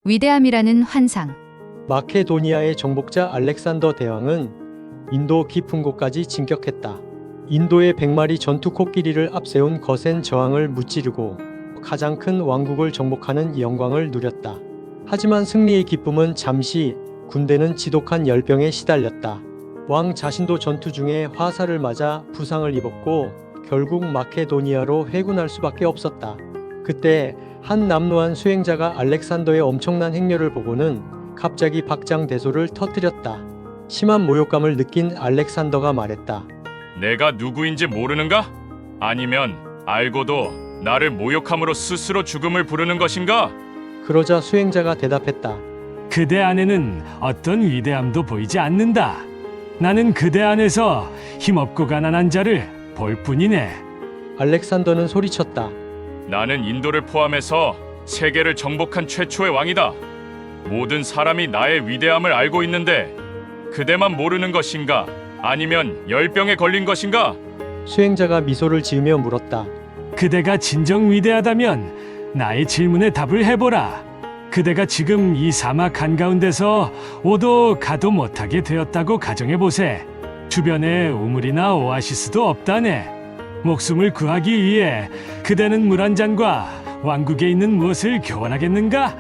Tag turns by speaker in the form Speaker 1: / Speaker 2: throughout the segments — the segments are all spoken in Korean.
Speaker 1: 위대함이라는 환상.
Speaker 2: 마케도니아의 정복자 알렉산더 대왕은 인도 깊은 곳까지 진격했다. 인도의 100마리 전투 코끼리를 앞세운 거센 저항을 무찌르고 가장 큰 왕국을 정복하는 영광을 누렸다. 하지만 승리의 기쁨은 잠시, 군대는 지독한 열병에 시달렸다. 왕 자신도 전투 중에 화살을 맞아 부상을 입었고 결국 마케도니아로 회군할 수밖에 없었다. 그때 한 남루한 수행자가 알렉산더의 엄청난 행렬을 보고는 갑자기 박장대소를 터뜨렸다. 심한 모욕감을 느낀 알렉산더가 말했다.
Speaker 3: 내가 누구인지 모르는가? 아니면 알고도 나를 모욕함으로 스스로 죽음을 부르는 것인가?
Speaker 2: 그러자 수행자가 대답했다.
Speaker 4: 그대 안에는 어떤 위대함도 보이지 않는다. 나는 그대 안에서 힘없고 가난한 자를 볼 뿐이네.
Speaker 2: 알렉산더는 소리쳤다.
Speaker 3: 나는 인도를 포함해서 세계를 정복한 최초의 왕이다. 모든 사람이 나의 위대함을 알고 있는데 그대만 모르는 것인가? 아니면 열병에 걸린 것인가?
Speaker 2: 수행자가 미소를 지으며 물었다.
Speaker 4: 그대가 진정 위대하다면 나의 질문에 답을 해보라. 그대가 지금 이 사막 한가운데서 오도 가도 못하게 되었다고 가정해보세. 주변에 우물이나 오아시스도 없다네. 목숨을 구하기 위해 그대는 물 한 잔과 왕국에 있는 무엇을 교환하겠는가?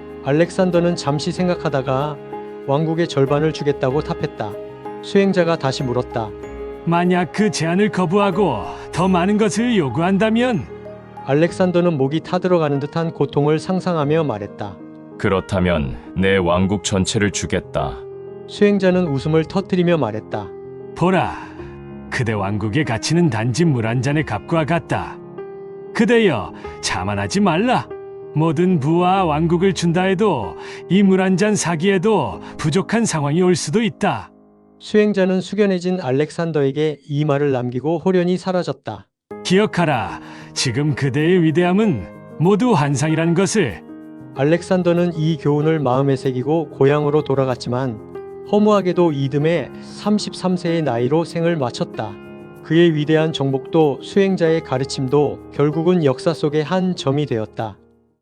Speaker 2: 알렉산더는 잠시 생각하다가 왕국의 절반을 주겠다고 답했다. 수행자가 다시 물었다.
Speaker 4: 만약 그 제안을 거부하고 더 많은 것을 요구한다면?
Speaker 2: 알렉산더는 목이 타들어가는 듯한 고통을 상상하며 말했다.
Speaker 3: 그렇다면 내 왕국 전체를 주겠다.
Speaker 2: 수행자는 웃음을 터뜨리며 말했다.
Speaker 4: 보라, 그대 왕국의 가치는 단지 물 한 잔의 값과 같다. 그대여, 자만하지 말라. 모든 부와 왕국을 준다 해도 이 물 한 잔 사기에도 부족한 상황이 올 수도 있다.
Speaker 2: 수행자는 숙연해진 알렉산더에게 이 말을 남기고 호련히 사라졌다.
Speaker 4: 기억하라, 지금 그대의 위대함은 모두 환상이라는 것을.
Speaker 2: 알렉산더는 이 교훈을 마음에 새기고 고향으로 돌아갔지만 허무하게도 이듬해 33세의 나이로 생을 마쳤다. 그의 위대한 정복도 수행자의 가르침도 결국은 역사 속의 한 점이 되었다.